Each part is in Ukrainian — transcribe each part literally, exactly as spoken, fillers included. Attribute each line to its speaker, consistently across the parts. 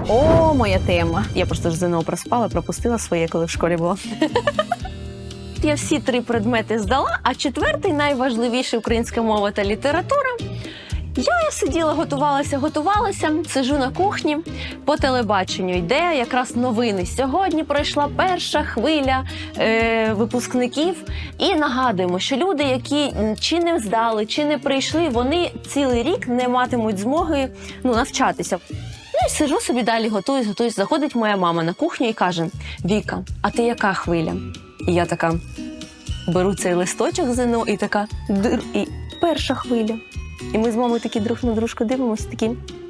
Speaker 1: О, моя тема. Я просто ж ЗНО проспала, пропустила своє, коли в школі була. Я всі три предмети здала, а четвертий, найважливіший, українська мова та література. Я сиділа, готувалася, готувалася, сиджу на кухні, по телебаченню йде якраз новини. Сьогодні пройшла перша хвиля е, випускників. І нагадуємо, що люди, які чи не здали, чи не прийшли, вони цілий рік не матимуть змоги ну, навчатися. Ну і сиджу собі далі, готуюсь, готуюсь. Заходить моя мама на кухню і каже: Віка, а ти яка хвиля? І я така беру цей листочок ЗНО і така дир, і перша хвиля. І ми з мамою такі друг на дружку дивимося, такі.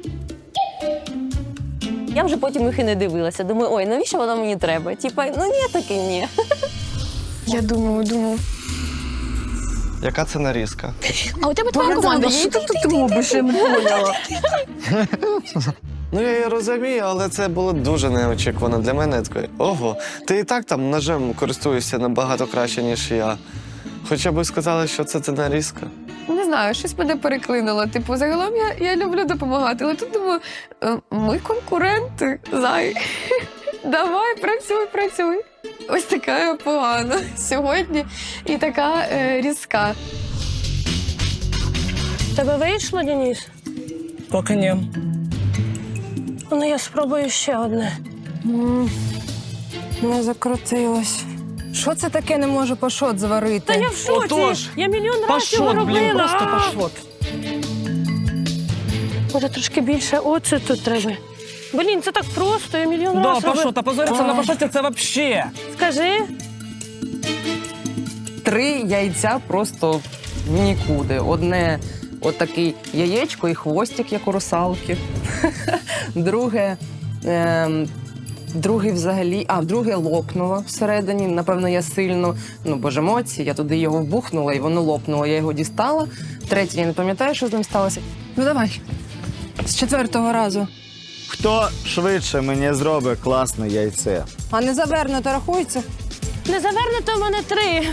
Speaker 1: Я вже потім їх і не дивилася. Думаю, ой, навіщо воно мені треба? Типа, ну ні, таки ні. Я думаю, думаю.
Speaker 2: Яка це нарізка?
Speaker 3: А у тебе твоя команда є?
Speaker 1: Що ти робиш, я не поняла.
Speaker 2: Ну, я її розумію, але це було дуже неочікувано для мене. Такий, ого, ти і так там ножем користуєшся набагато краще, ніж я. Хоча б сказали, що це, це нарізка.
Speaker 3: Не знаю, щось мене переклинуло. Типу, загалом я, я люблю допомагати, але тут думаю, е, ми конкуренти, зай. Давай, працюй, працюй. Ось така я погана сьогодні і така е, різка.
Speaker 4: Тебе вийшло, Денис?
Speaker 5: Поки ні.
Speaker 4: Ну, я спробую ще одне.
Speaker 6: М, Не закрутилось. Що це таке не можу пашот зварити?
Speaker 4: Та я в шоці!
Speaker 5: Отож,
Speaker 4: Я мільйон разів його
Speaker 5: Пашот, блін,
Speaker 4: робила.
Speaker 5: просто
Speaker 4: А!
Speaker 5: пашот.
Speaker 4: Може, трошки більше оцю тут треба. Блін, це так просто, я мільйон
Speaker 5: Да,
Speaker 4: разів робила.
Speaker 5: пашот, а позориться на пашоті це вообще.
Speaker 4: Скажи.
Speaker 6: Три яйця просто в нікуди. Одне отакий яєчко і хвостик, як у русалки. Друге, ем, другий взагалі, а друге лопнуло всередині. Напевно, я сильно, ну, бо ж емоції, я туди його вбухнула і воно лопнуло. Я його дістала. Третє, я не пам'ятаю, що з ним сталося. Ну, давай. З четвертого разу.
Speaker 7: Хто швидше мені зробить класне яйце?
Speaker 6: А не завернуто рахується?
Speaker 4: Не завернете у мене три.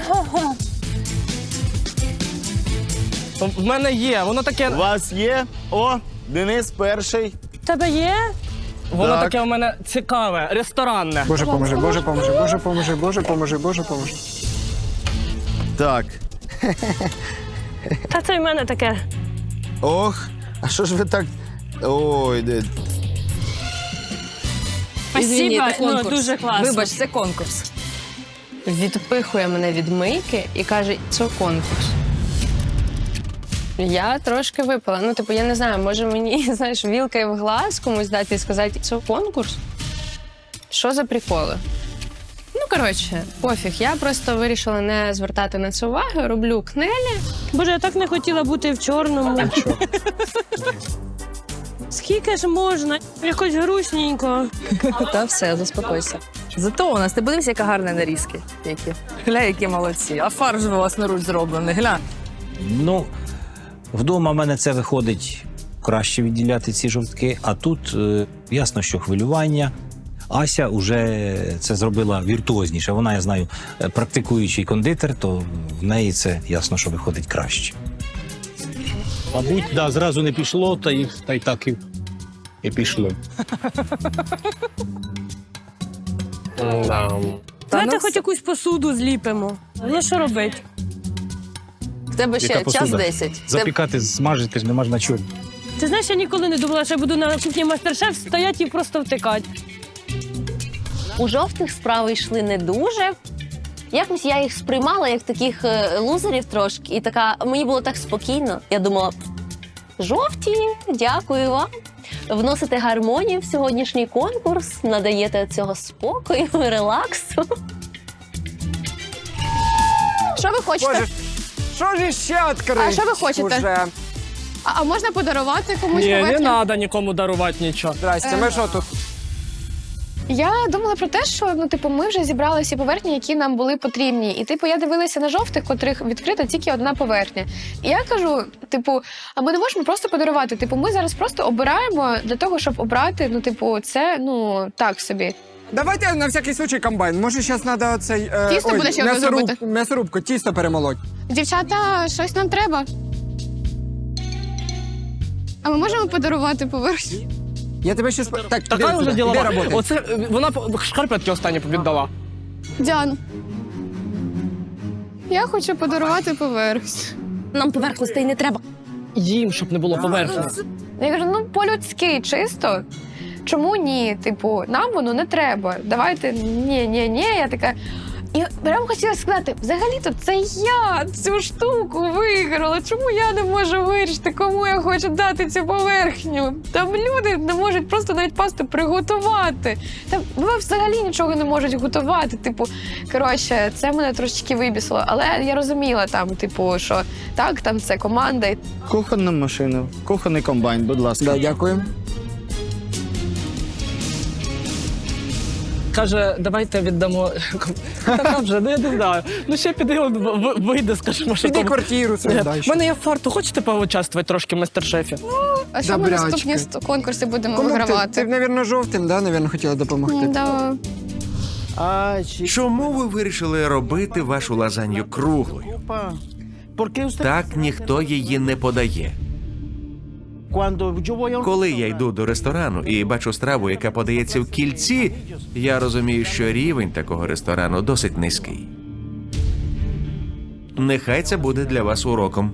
Speaker 5: В мене є, воно таке,
Speaker 7: У вас є? О, Денис перший.
Speaker 4: Тебе є?
Speaker 5: воно
Speaker 7: Так.
Speaker 5: таке у мене цікаве, ресторанне.
Speaker 8: Боже поможи, Боже поможи, Боже поможи, Боже поможи, Боже поможи.
Speaker 7: Так.
Speaker 4: Та це в мене таке.
Speaker 7: Ох, а що ж ви так. Ой, де.
Speaker 4: Спасибо, ну, дуже класно.
Speaker 6: Вибач, це конкурс. Відпихує мене від мийки і каже, це конкурс.
Speaker 3: Я трошки випила. Ну, типу, я не знаю, може мені, знаєш, вілкою в глаз комусь дати і сказати, це конкурс? Що за приколи? Ну, коротше, пофіг. Я просто вирішила не звертати на це уваги, роблю кнелі.
Speaker 4: Боже, я так не хотіла бути в чорному. Скільки ж можна? Якось грустненько.
Speaker 6: Та все, заспокойся. Зато у нас, ти подивись, яка гарна нарізки. Які. Гля, які молодці. А фарш власноруч зроблений, гля.
Speaker 9: Ну, вдома в мене це виходить краще відділяти ці жовтки, а тут е, ясно, що хвилювання. Ася вже це зробила віртуозніше. Вона, я знаю, е, практикуючий кондитер, то в неї це ясно, що виходить краще.
Speaker 10: Мабуть, да, зразу не пішло, та й, та й так і, і пішло.
Speaker 5: Да.
Speaker 4: Давайте
Speaker 6: ну
Speaker 4: хоч
Speaker 6: все.
Speaker 4: якусь посуду зліпимо. Ну, що робити?
Speaker 6: В тебе ще
Speaker 10: Яка
Speaker 6: час
Speaker 10: посуда?
Speaker 6: десять. Це
Speaker 10: Запікати, смажити ж нема ж на чому.
Speaker 4: Ти знаєш, я ніколи не думала, що я буду на кухні мастер-шеф стояти і просто втикати.
Speaker 1: У жовтих справи йшли не дуже. Якось я їх сприймала як таких е, лузерів трошки. І така, мені було так спокійно. Я думала, жовті, дякую вам. Вносите гармонію в сьогоднішній конкурс, надаєте цього спокою, релаксу.
Speaker 3: Що ви хочете?
Speaker 8: Боже, що ж ще відкрити?
Speaker 3: А що ви хочете?
Speaker 8: Уже?
Speaker 3: А, а можна подарувати комусь
Speaker 5: Ні, не
Speaker 3: поверхню?
Speaker 5: треба нікому дарувати нічого.
Speaker 8: Здрасте, ми що тут?
Speaker 3: Я думала про те, що ну, типу, ми вже зібрали всі поверхні, які нам були потрібні. І типу, я дивилася на жовтих, котрих відкрита тільки одна поверхня. І я кажу: типу, а ми не можемо просто подарувати. Типу, ми зараз просто обираємо для того, щоб обрати. Ну, типу, це ну так собі.
Speaker 8: Давайте на всякий случай комбайн. Може, зараз треба оцей... Е,
Speaker 3: Тісто
Speaker 8: ой,
Speaker 3: будеш як
Speaker 8: м'ясоруб,
Speaker 3: зробити?
Speaker 8: м'ясорубку, тісто перемолоть.
Speaker 3: Дівчата, щось нам треба. А ми можемо подарувати поверхню?
Speaker 8: Я тебе ще... Так,
Speaker 5: Така
Speaker 8: іди
Speaker 5: вже
Speaker 8: сюди,
Speaker 5: ділова.
Speaker 8: іди роботи.
Speaker 5: Оце е, вона п- шкарпетки останні віддала.
Speaker 3: Діан, я хочу подарувати поверхню.
Speaker 1: Нам поверхностей не треба.
Speaker 5: Їм, щоб не було поверхні.
Speaker 3: Я кажу, ну по-людськи чисто. Чому ні? Типу, нам воно не треба. Давайте ні, ні, ні. Я така. І прямо хотіла сказати, взагалі-то це я цю штуку виграла. Чому я не можу вирішити, кому я хочу дати цю поверхню? Там люди не можуть просто навіть пасту приготувати. Там ви взагалі нічого не можуть готувати. Типу, коротше, це мене трошечки вибісило. Але я розуміла там, типу, що так, там це команда.
Speaker 7: Кухонна машина, кухонний комбайн, будь ласка.
Speaker 8: Да, дякую.
Speaker 5: Каже, давайте віддамо. Така вже, ну я не знаю. Ну ще піди, он в- вийде, скажімо, що
Speaker 8: Піди
Speaker 5: там.
Speaker 8: квартиру свою
Speaker 5: Е,
Speaker 8: дай.
Speaker 5: В мене є фарту, хочете поучаствувати трошки в мастер-шефі?
Speaker 3: А що ми
Speaker 8: Добрячки.
Speaker 3: наступні ст- конкурси будемо
Speaker 8: Кому ти,
Speaker 3: вигравати?
Speaker 8: ти, мабуть, жовтим, да, мабуть, хотіла допомогти?
Speaker 3: Да.
Speaker 11: Чому ви вирішили робити вашу лазанью круглою? Так ніхто її не подає. Коли я йду до ресторану і бачу страву, яка подається в кільці, я розумію, що рівень такого ресторану досить низький. Нехай це буде для вас уроком.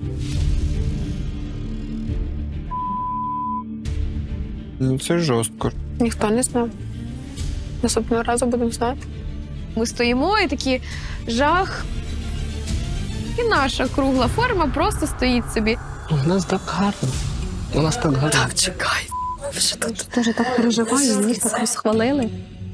Speaker 8: Ну, це жорстко.
Speaker 3: Ніхто не знав. Наступного разу будемо знати. Ми стоїмо і такі жах. І наша кругла форма просто стоїть собі.
Speaker 5: У нас так гарно. У нас так гарно.
Speaker 1: Так, чекай. Вже тут теж так переживаю, їх так розхвалили.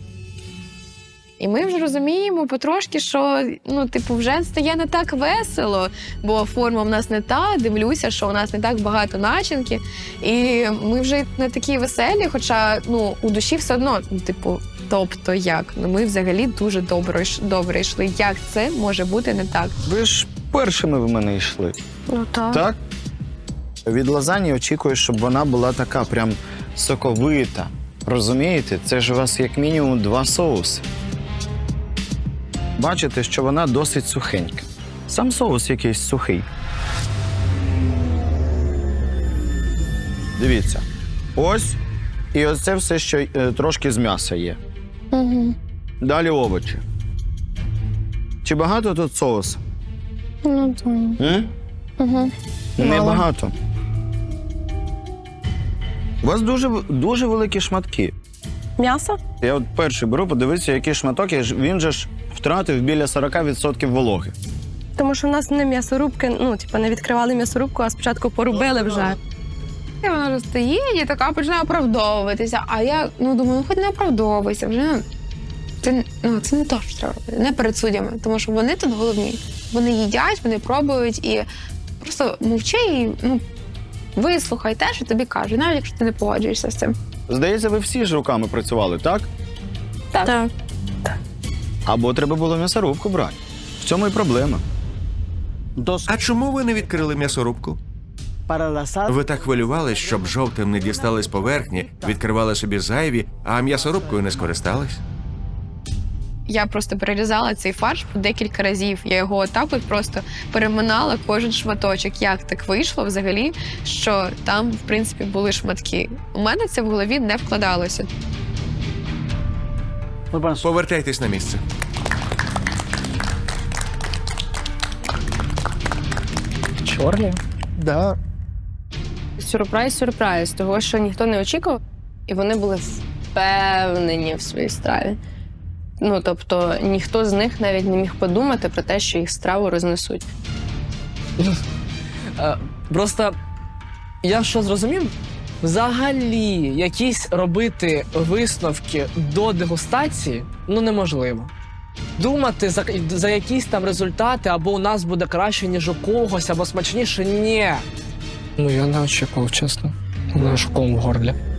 Speaker 3: І ми вже розуміємо потрошки, що ну, типу, вже стає не так весело, бо форма в нас не та, дивлюся, що у нас не так багато начинки. І ми вже не такі веселі, хоча ну, у душі все одно, ну, типу, тобто як? Ну, ми взагалі дуже добре, йш- добре йшли. Як це може бути не так?
Speaker 7: Ви ж першими в мене йшли.
Speaker 1: Ну так.
Speaker 7: Так? Від лазані очікую, щоб вона була така прям соковита. Розумієте? Це ж у вас як мінімум два соуси. Бачите, що вона досить сухенька. Сам соус якийсь сухий. Дивіться. Ось. І ось це все, що е, трошки з м'яса є.
Speaker 3: Угу.
Speaker 7: Далі овочі. Чи багато тут соусу?
Speaker 3: Ну, то...
Speaker 7: М?
Speaker 3: угу.
Speaker 7: Небагато. У вас дуже, дуже великі шматки.
Speaker 1: М'ясо?
Speaker 7: Я от перший беру, подивитися, який шматок, і ж- він же ж втратив біля сорок відсотків вологи.
Speaker 4: Тому що в нас не м'ясорубки, ну, типу, не відкривали м'ясорубку, а спочатку порубили вже.
Speaker 3: І вона вже стоїть і така починає оправдовуватися. А я ну, думаю, ну хоч не оправдовуйся, вже це, ну, це не то, що треба робити, не перед суддями, тому що вони тут головні. Вони їдять, вони пробують і просто мовчи і ну, вислухай те, що тобі кажуть, навіть якщо ти не погоджуєшся з цим.
Speaker 7: Здається, ви всі ж руками працювали, так?
Speaker 4: Так.
Speaker 7: Або треба було м'ясорубку брати. В цьому і проблема.
Speaker 11: А чому ви не відкрили м'ясорубку? Ви так хвилювались, щоб жовтим не дістались поверхні, відкривали собі зайві, а м'ясорубкою не скористались?
Speaker 3: Я просто перерізала цей фарш по декілька разів. Я його отак от просто переминала кожен шматочок. Як так вийшло взагалі, що там, в принципі, були шматки. У мене це в голові не вкладалося.
Speaker 11: Повертайтесь на місце.
Speaker 5: Чорні?
Speaker 8: Да.
Speaker 4: Сюрприз, сюрприз, того, що ніхто не очікував, і вони були впевнені в своїй страві. Ну, тобто, ніхто з них навіть не міг подумати про те, що їх страву рознесуть.
Speaker 5: Е, Просто я що зрозумів? Взагалі, якісь робити висновки до дегустації ну неможливо. Думати за, за якісь там результати, або у нас буде краще, ніж у когось, або смачніше ні. Ну я не очікував, чесно. У мене шоком в горлі.